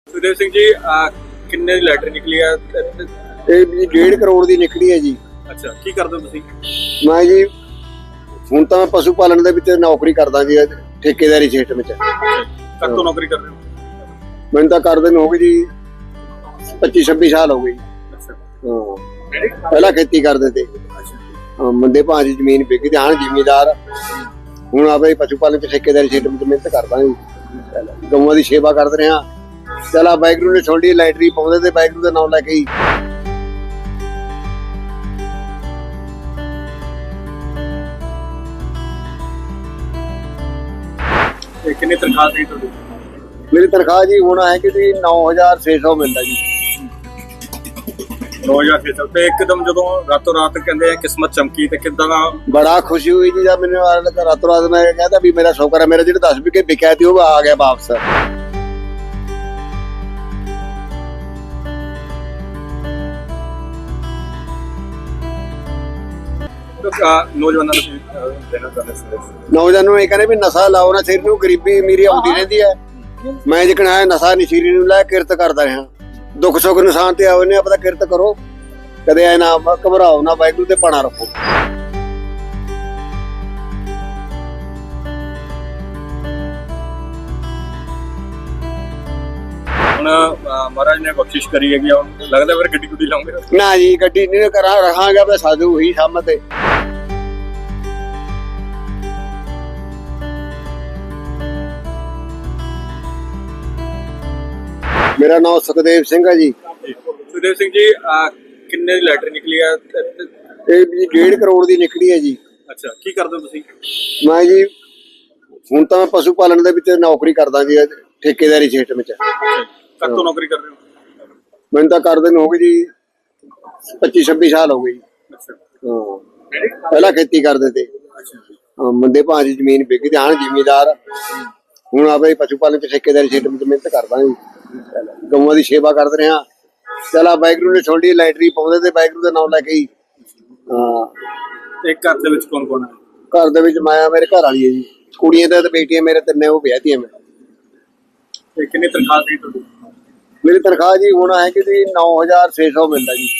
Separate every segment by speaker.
Speaker 1: सुखदेव सिंह जी किन्ने दी लैटरी निकली है?
Speaker 2: ਇਹ ਜੀ 1.5 ਕਰੋੜ ਦੀ ਨਿਕਲੀ ਹੈ ਜੀ।
Speaker 1: ਅੱਛਾ, ਕੀ ਕਰਦੇ ਹੋ ਤੁਸੀਂ?
Speaker 2: ਮੈਂ ਜੀ ਹੁਣ ਤਾਂ ਪਸ਼ੂ ਪਾਲਣ ਦੇ ਵਿੱਚ ਨੌਕਰੀ ਕਰਦਾ ਜੀ, ਠੇਕੇਦਾਰੀ ਸਿਸਟਮ ਵਿੱਚ।
Speaker 1: ਕਦ ਤੋਂ ਨੌਕਰੀ ਕਰ ਰਹੇ ਹੋ?
Speaker 2: ਮੈਨੂੰ ਤਾਂ ਕਰਦੇ ਨੂੰ ਹੋ ਗਈ ਜੀ 25-26 ਸਾਲ ਹੋ ਗਏ ਜੀ।
Speaker 1: ਅੱਛਾ,
Speaker 2: ਹਾਂ, ਪਹਿਲਾਂ ਖੇਤੀ ਕਰਦੇ ਤੇ। ਮੰਦੇ ਭਾਅ ਦੀ ਜ਼ਮੀਨ ਵਿਕ ਗਈ, ਹਾਂ ਜ਼ਿਮੀਦਾਰ ਹੁਣ ਆਪੇ ਪਸ਼ੂ ਪਾਲਣ ਚ ਠੇਕੇਦਾਰੀ ਸਿਸਟਮ ਚ ਮਿਹਨਤ ਕਰਦਾ ਜੀ। ਗਊਆਂ ਦੀ ਸੇਵਾ ਕਰਦੇ ਰਿਹਾ। ਚਲਾ ਵਾਹਿਗੁਰੂ ਨੇ ਛੋਡੀ ਲਾਈਟਰੀ ਪਾਉਂਦੇ ਤੇ ਵਾਹਿਗੁਰੂ ਦਾ ਨਾਮ ਲੈ ਕੇ ਹੀ
Speaker 1: ਕਿੰਨੀ ਤਨਖਾਹ ਸੀ ਤੁਹਾਡੀ?
Speaker 2: ਮੇਰੀ ਤਨਖਾਹ ਜੀ ਹੋਣਾ ਹੈ ਕਿ ਜੀ 9600 ਮਿਲਦਾ ਜੀ।
Speaker 1: 9600 ਤੇ ਇੱਕਦਮ ਜਦੋਂ ਰਾਤੋਂ ਰਾਤ ਕਹਿੰਦੇ ਆ ਕਿਸਮਤ ਚਮਕੀ ਤੇ ਕਿੱਦਾਂ ਦਾ?
Speaker 2: ਬੜਾ ਖੁਸ਼ੀ ਹੋਈ ਜੀ ਜਦ ਮੈਨੂੰ ਰਾਤੋਂ ਰਾਤ ਮੈਂ ਕਹਿੰਦਾ ਵੀ ਮੇਰਾ ਸ਼ੌਕਰ ਹੈ, ਮੇਰਾ ਜਿਹੜਾ 10 ਵਿਕੇ ਵਿਕਿਆ ਸੀ ਉਹ ਆ ਗਿਆ ਵਾਪਸ।
Speaker 1: ਨੌਜਵਾਨਾਂ ਨੂੰ ਦੇਣਾ ਚਾਹੁੰਦੇ ਸੀ?
Speaker 2: ਨੌਜਵਾਨਾਂ ਨੂੰ ਇਹ ਕਹਿੰਦੇ ਵੀ ਨਸ਼ਾ ਲਾਓ ਨਾ, ਸਿਰ ਨੂੰ ਗਰੀਬੀ ਅਮੀਰੀ ਆਉਂਦੀ ਰਹਿੰਦੀ ਹੈ। ਮੈਂ ਜਿਕਣਾ ਹੈ ਨਸ਼ਾ ਨੀ ਸਿਰ ਨੂੰ ਲੈ ਕਿਰਤ ਕਰਦਾ ਰਿਹਾ। ਦੁੱਖ ਸੁੱਖ ਨਿਸ਼ਾਨ ਤੇ ਆਉਨੇ ਆਪਦਾ ਕਿਰਤ ਕਰੋ, ਕਦੇ ਐ ਨਾ ਘਬਰਾਓ ਨਾ, ਵਾਹਿਗੁਰੂ ਤੇ ਪਾਣਾ ਰੱਖੋ।
Speaker 1: ਹੁਣ ਮਹਾਰਾਜ ਨੇ ਬਖਸ਼ਿਸ਼ ਕਰੀ ਹੈਗੀ, ਹੁਣ ਲੱਗਦਾ ਫਿਰ ਗੱਡੀ ਗੁੱਡੀ ਲਾਉਂਗੇ?
Speaker 2: ਨਾ ਜੀ ਗੱਡੀ ਨਹੀਂ ਕਰਾਂ, ਰਹਾਂਗਾ ਬਸ ਸਾਧੂ ਹੀ ਸਾਹਮਣੇ ਤੇ। ਮੇਰਾ ਨਾਮ ਸੁਖਦੇਵ ਸਿੰਘ ਹੈ ਜੀ।
Speaker 1: ਸੁਖਦੇਵ ਸਿੰਘ ਜੀ ਕਿੰਨੇ ਦੀ ਲੈਟਰੀ ਨਿਕਲੀ ਹੈ?
Speaker 2: ਇਹ ਜੀ 1.5 ਕਰੋੜ ਦੀ ਨਿਕਲੀ ਹੈ ਜੀ।
Speaker 1: ਅੱਛਾ, ਕੀ ਕਰਦੇ ਹੋ ਤੁਸੀਂ?
Speaker 2: ਮੈਂ ਜੀ ਹੁਣ ਤਾਂ ਪਸ਼ੂ ਪਾਲਣ ਦੇ ਵਿੱਚ ਨੌਕਰੀ ਕਰਦਾ ਜੀ, ਠੇਕੇਦਾਰੀ ਸਿਸਟਮ ਵਿੱਚ।
Speaker 1: ਕਦ ਤੋਂ ਨੌਕਰੀ ਕਰ ਰਹੇ ਹੋ?
Speaker 2: ਮੈਨੂੰ ਤਾਂ ਕਰਦੇ ਨੂੰ ਹੋ ਗਈ ਜੀ 25-26 ਸਾਲ ਹੋ ਗਏ ਜੀ।
Speaker 1: ਅੱਛਾ,
Speaker 2: ਹਾਂ, ਪਹਿਲਾਂ ਖੇਤੀ ਕਰਦੇ ਤੇ। ਮੰਦੇ ਭਾਅ ਦੀ ਜ਼ਮੀਨ ਵਿਕ ਗਈ, ਹਾਂ ਜ਼ਿਮੀਦਾਰ ਹੁਣ ਆਪੇ ਪਸ਼ੂ ਪਾਲਣ ਚ ਠੇਕੇਦਾਰੀ ਸਿਸਟਮ ਚ ਮਿਹਨਤ ਕਰਦਾ ਜੀ। ਗਊਆਂ ਦੀ ਸੇਵਾ ਕਰਦੇ ਰਿਹਾ। ਚਲਾ ਵਾਹਿਗੁਰੂ ਨੇ ਛੋਡੀ ਲਾਈਟਰੀ ਪਾਉਂਦੇ ਤੇ ਵਾਹਿਗੁਰੂ ਦਾ ਨਾਮ ਲੈ ਕੇ ਹੀ। ਹਾਂ,
Speaker 1: ਤੇ ਘਰ ਦੇ ਵਿੱਚ ਕੌਣ ਕੌਣ ਹੈ?
Speaker 2: ਘਰ ਦੇ ਵਿੱਚ ਮਾਇਆ ਮੇਰੇ ਘਰ ਵਾਲੀ ਹੈ ਜੀ, ਕੁੜੀਆਂ ਤੇ ਬੇਟੀਆਂ ਮੇਰੇ ਤਿੰਨੇ, ਉਹ ਵਿਆਹਤੀਆਂ ਮੈਂ।
Speaker 1: ਤੇ ਕਿੰਨੀ ਤਨਖਾਹ ਸੀ ਤੁਹਾਡੀ?
Speaker 2: ਮੇਰੀ ਤਨਖਾਹ ਜੀ ਹੋਣਾ ਹੈ ਕਿ ਜੀ 9600 ਮਿਲਦਾ ਜੀ।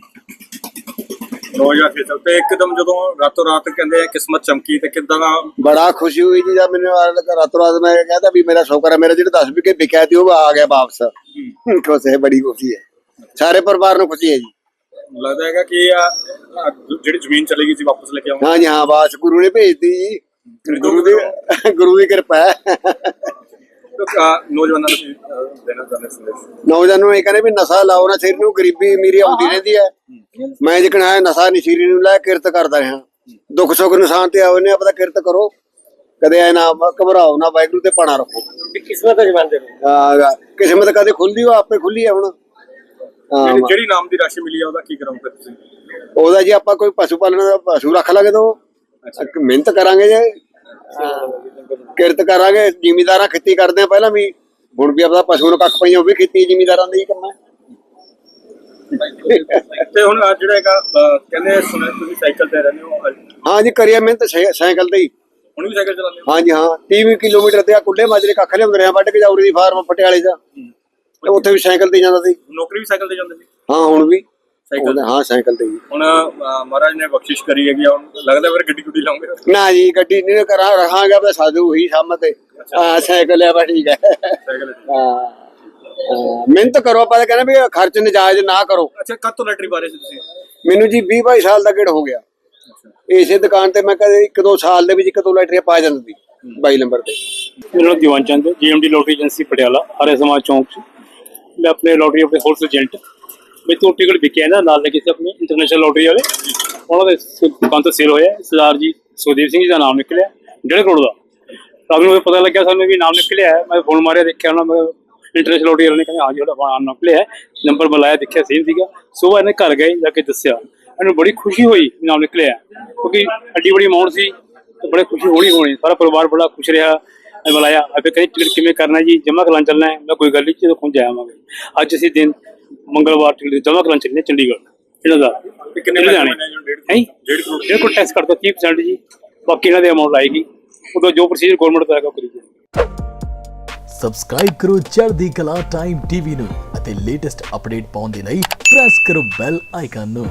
Speaker 1: 9600 ਤੇ ਇੱਕਦਮ ਜਦੋਂ ਰਾਤੋਂ ਰਾਤ ਕਹਿੰਦੇ ਆ ਕਿਸਮਤ ਚਮਕੀ ਤੇ ਕਿੱਦਾਂ ਦਾ?
Speaker 2: ਬੜਾ ਖੁਸ਼ੀ ਹੋਈ ਜੀ ਜਦ ਮੈਨੂੰ ਰਾਤੋਂ ਰਾਤ ਮੈਂ ਕਹਿੰਦਾ ਵੀ ਮੇਰਾ ਸ਼ੌਕਰ ਹੈ, ਮੇਰਾ ਜਿਹੜਾ 10 ਵਿਕੇ ਵਿਕਿਆ ਸੀ ਉਹ ਆ ਗਿਆ ਵਾਪਸ। ਖੁਸ਼ ਹੈ, ਬੜੀ ਖੁਸ਼ੀ ਹੈ, ਸਾਰੇ ਪਰਿਵਾਰ ਨੂੰ ਖੁਸ਼ੀ ਹੈ ਜੀ।
Speaker 1: ਲੱਗਦਾ ਹੈਗਾ ਕਿ ਜਿਹੜੀ ਜ਼ਮੀਨ ਚਲੀ ਗਈ ਸੀ ਵਾਪਸ ਲੈ ਕੇ ਆਉਂਗੇ?
Speaker 2: ਹਾਂ ਜੀ ਹਾਂ, ਬਾਸ ਗੁਰੂ ਨੇ ਭੇਜਦੀ ਜੀ, ਗੁਰੂ ਦੀ ਕਿਰਪਾ ਹੈ।
Speaker 1: ਨੌਜਵਾਨਾਂ ਨੂੰ ਦੇਣਾ ਚਾਹੁੰਦੇ ਸੀ?
Speaker 2: ਨੌਜਵਾਨਾਂ ਨੂੰ ਇਹ ਕਹਿੰਦੇ ਵੀ ਨਸ਼ਾ ਲਾਓ ਨਾ, ਸਿਰ ਨੂੰ ਗਰੀਬੀ ਅਮੀਰੀ ਆਉਂਦੀ ਰਹਿੰਦੀ ਹੈ। ਮੈਂ ਜਿਕਣਾ ਹੈ ਨਸ਼ਾ ਨੀ ਸਿਰ ਨੂੰ ਲੈ ਕਿਰਤ ਕਰਦਾ ਰਿਹਾ। ਦੁੱਖ ਸੁੱਖ ਨਿਸ਼ਾਨ ਤੇ ਆਉਨੇ ਆਪਦਾ ਕਿਰਤ ਕਰੋ, ਕਦੇ ਐ ਨਾ ਘਬਰਾਓ ਨਾ, ਵਾਹਿਗੁਰੂ ਤੇ ਪਾਣਾ ਰੱਖੋ।
Speaker 1: ਕਿਸਮਤ ਜਮਾਂਦੇ ਨੇ।
Speaker 2: ਕਿਸਮਤ ਕਦੇ ਖੁੱਲਦੀ ਉਹ ਆਪੇ ਖੁੱਲੀ ਹੈ। ਹੁਣ
Speaker 1: ਜਿਹੜੀ ਨਾਮ ਦੀ ਰਾਸ਼ੀ ਮਿਲੀ ਆ ਉਹਦਾ ਕੀ ਕਰਾਂਗੇ ਤੁਸੀਂ?
Speaker 2: ਉਹਦਾ ਜੀ ਆਪਾਂ ਕੋਈ ਪਸ਼ੂ ਪਾਲਣ ਦਾ ਪਸ਼ੂ ਰੱਖ ਲਾਂਗੇ ਤਾਂ ਮਿਹਨਤ ਕਰਾਂਗੇ ਜੀ, ਕਿਰਤ ਕਰਾਂਗੇ। ਜ਼ਿਮੀਦਾਰਾਂ ਖੇਤੀ ਕਰਦੇ ਆ ਪਹਿਲਾਂ ਵੀ, ਹੁਣ ਵੀ ਆਪਦਾ ਪਸ਼ੂ ਨੂੰ ਕੱਖ ਪਈਆਂ, ਉਹ ਵੀ ਖੇਤੀ ਜ਼ਿਮੀਦਾਰਾਂ ਦਾ ਹੀ ਕਰਨਾ।
Speaker 1: ਤੇ ਹੁਣ ਜਿਹੜਾ ਹੈਗਾ ਕਹਿੰਦੇ ਸੁਣਿਆ ਤੁਸੀਂ ਸਾਈਕਲ ਤੇ ਰਹਿੰਦੇ ਹੋ?
Speaker 2: ਹਾਂ ਜੀ, ਕਰੀਏ ਮਿਹਨਤ ਸਾਈਕਲ ਤੇ ਹੀ।
Speaker 1: ਹੁਣ ਵੀ ਸਾਈਕਲ ਚਲਾਉਂਦੇ ਹੋ?
Speaker 2: ਹਾਂ ਜੀ ਹਾਂ, 30 ਕਿਲੋਮੀਟਰ ਤੇ ਆ ਕੁੱਲੇ ਮਾਜਰੇ ਕੱਖ ਲਿਆਉਂਦੇ ਰਿਹਾ, ਵੱਢ ਕੇ ਜਾਉਰੀ ਦੀ ਫਾਰਮ ਪਟਿਆਲੇ ਦਾ, ਉੱਥੇ ਵੀ ਸਾਈਕਲ ਤੇ ਜਾਂਦਾ ਸੀ।
Speaker 1: ਨੌਕਰੀ ਵੀ ਸਾਈਕਲ ਤੇ ਜਾਂਦੇ ਸੀ?
Speaker 2: ਹਾਂ, ਹੁਣ ਵੀ
Speaker 1: ਸਾਈਕਲ?
Speaker 2: ਹਾਂ, ਸਾਈਕਲ ਤੇ ਹੀ।
Speaker 1: ਹੁਣ ਮਹਾਰਾਜ ਨੇ ਬਖਸ਼ਿਸ਼ ਕਰੀ ਹੈਗੀ, ਹੁਣ ਲੱਗਦਾ ਫਿਰ ਗੱਡੀ ਗੁੱਡੀ ਲਾਉਂਗੇ?
Speaker 2: ਨਾ ਜੀ ਗੱਡੀ ਨਹੀਂ ਕਰਾਂ, ਰਹਾਂਗਾ ਬਸ ਸਾਧੂ ਹੀ ਸਾਹਮਣੇ ਤੇ। ਹਾਂ, ਸਾਈਕਲ ਹੈ, ਬਸ ਠੀਕ ਹੈ। ਹਾਂ, ਮਿਹਨਤ ਕਰੋ, ਆਪਾਂ ਕਹਿੰਦੇ ਵੀ ਖਰਚ ਨਜਾਇਜ਼ ਨਾ ਕਰੋ।
Speaker 1: ਅੱਛਾ, ਕਦ ਤੋਂ ਲੈਟਰੀ ਪਾ ਰਹੇ ਸੀ ਤੁਸੀਂ?
Speaker 2: ਮੈਨੂੰ ਜੀ 20-22 ਸਾਲ ਦਾ ਗੇੜ ਹੋ ਗਿਆ। ਇਸੇ ਦੁਕਾਨ ਤੇ ਮੈਂ ਕਦੇ 1-2 ਸਾਲ ਦੇ ਵਿੱਚ 1-2 ਲੈਟਰੀਆਂ ਪਾ ਜਾਂਦੀ 22 ਨੰਬਰ ਤੇ।
Speaker 3: ਮੇਰਾ ਨਾਮ Diwan Chand, GMD lottery agency Patiala, ਹਰੇ ਸਮਾਜ ਚੌਂਕ 'ਚ। ਮੈਂ ਆਪਣੇ ਲੋਟਰੀ ਆਪਣੇ ਹੋਲਸੇਲ ਏਜੰਟ, ਮੇਰੇ ਤੋਂ ਟਿਕਟ ਵਿਕਿਆ ਨਾ ਨਾਲ ਲੱਗੇ ਸੀ ਆਪਣੇ ਇੰਟਰਨੈਸ਼ਨਲ ਲੋਟਰੀ ਵਾਲੇ, ਉਹਨਾਂ ਦੇ ਦੁਕਾਨ ਤੋਂ ਸੇਲ ਹੋਇਆ। ਸਰਦਾਰ ਜੀ ਸੁਖਦੇਵ ਸਿੰਘ ਜੀ ਦਾ ਨਾਮ ਨਿਕਲਿਆ 1.5 ਕਰੋੜ ਦਾ। ਰਾਤ ਨੂੰ ਪਤਾ ਲੱਗਿਆ ਸਾਨੂੰ ਵੀ ਨਾਮ ਨਿਕਲਿਆ ਹੈ। ਮੈਂ ਫੋਨ ਮਾਰਿਆ, ਦੇਖਿਆ ਉਹਨਾਂ ਇੰਟਰਨੈਸ਼ਨਲ ਲੋਟਰੀ ਵਾਲੇ ਨੇ, ਕਹਿੰਦੇ ਹਾਂ ਜਿਹੜਾ ਨਾਮ ਨਿਕਲਿਆ, ਨੰਬਰ ਬੁਲਾਇਆ, ਦੇਖਿਆ ਸੇਮ ਸੀਗਾ। ਸੁਬਾਹ ਇਹਨੇ ਘਰ ਗਏ, ਜਾ ਕੇ ਦੱਸਿਆ, ਇਹਨੂੰ ਬੜੀ ਖੁਸ਼ੀ ਹੋਈ ਨਾਮ ਨਿਕਲਿਆ, ਕਿਉਂਕਿ ਐਡੀ ਬੜੀ ਅਮਾਊਂਟ ਸੀ ਤੇ ਬੜੀ ਖੁਸ਼ੀ ਹੋਣੀ। ਸਾਰਾ ਪਰਿਵਾਰ ਬੜਾ ਖੁਸ਼ ਰਿਹਾ। ਬੁਲਾਇਆ, ਆਪੇ ਕਹਿੰਦੇ ਟਿਕਟ ਕਿਵੇਂ ਕਰਨਾ ਜੀ, ਜਮ੍ਹਾਂ ਕਰਾਉਣ ਚੱਲਣਾ ਹੈ? ਮੈਂ ਕੋਈ ਗੱਲ ਨਹੀਂ, ਜਦੋਂ ਪਹੁੰਚ ਜਾਵਾਂਗੇ। ਅੱਜ ਅਸੀਂ ਦਿਨ ਮੰਗਲਵਾਰ ਟਿਕਟ ਜਮ੍ਹਾਂ ਕਰਾਉਣ ਚੱਲੇ ਚੰਡੀਗੜ੍ਹ ਇਹਨਾਂ ਦਾ।
Speaker 1: ਕਿੰਨੇ
Speaker 3: ਲੁਧਿਆਣੇ ਹੈ 1.5 ਕਰੋੜ ਟੈਕਸ ਕਰਦਾ 30% ਜੀ, ਬਾਕੀ ਇਹਨਾਂ ਦੇ ਅਮਾਊਂਟ ਆਏਗੀ। ਉਦੋਂ ਜੋ ਪ੍ਰੋਸੀਜਰ ਗਵਰਨਮੈਂਟ ਦਾ ਹੈਗਾ ਕਰੀਏ।
Speaker 4: ਸਬਸਕ੍ਰਾਈਬ ਕਰੋ ਚੜ੍ਹਦੀ ਕਲਾ ਟਾਈਮ ਟੀਵੀ ਨੂੰ ਅਤੇ ਲੇਟੈਸਟ ਅਪਡੇਟ ਪਾਉਣ ਦੇ ਲਈ ਪ੍ਰੈਸ ਕਰੋ ਬੈਲ ਆਈਕਨ ਨੂੰ।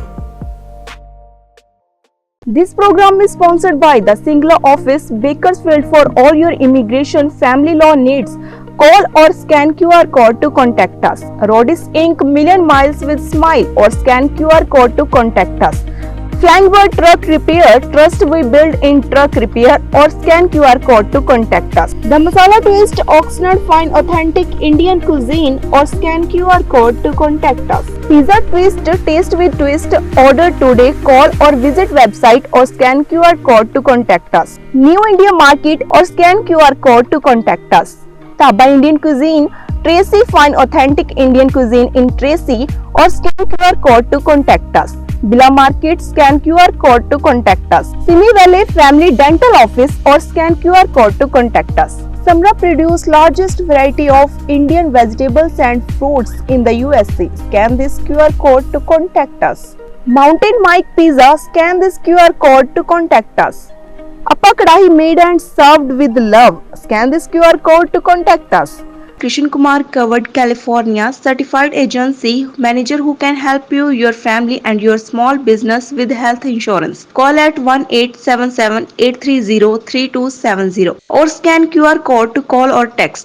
Speaker 5: This program is sponsored by the Singla Office, Bakersfield. For all your immigration family law needs, call or scan QR code to contact us. Rodis Inc. Million Miles with Smile, or scan QR code to contact us. Flying Bird Truck Repair, trust we build in truck repair, or scan QR code to contact us. The Masala Twist, Oxnard Fine Authentic Indian Cuisine, or scan QR code to contact us. Pizza Twist, taste with twist, order today, call or visit website or scan QR code to contact us. New India Market, or scan QR code to contact us. Taba Indian Cuisine, Tracy Fine Authentic Indian Cuisine in Tracy, or scan QR code to contact us. Bila Market, scan QR code to contact us. Simi Valley Family Dental Office, or scan QR code to contact us. Samra produce largest variety of Indian vegetables and fruits in the USA. Scan this QR code to contact us. Mountain Mike Pizza, scan this QR code to contact us. Appa Kadahi made and served with love. Scan this QR code to contact us. Krishan Kumar Covered California, certified agency manager who can help you, your family and your small business with health insurance. Call at 1-877-830-3270 or scan QR code to call or text.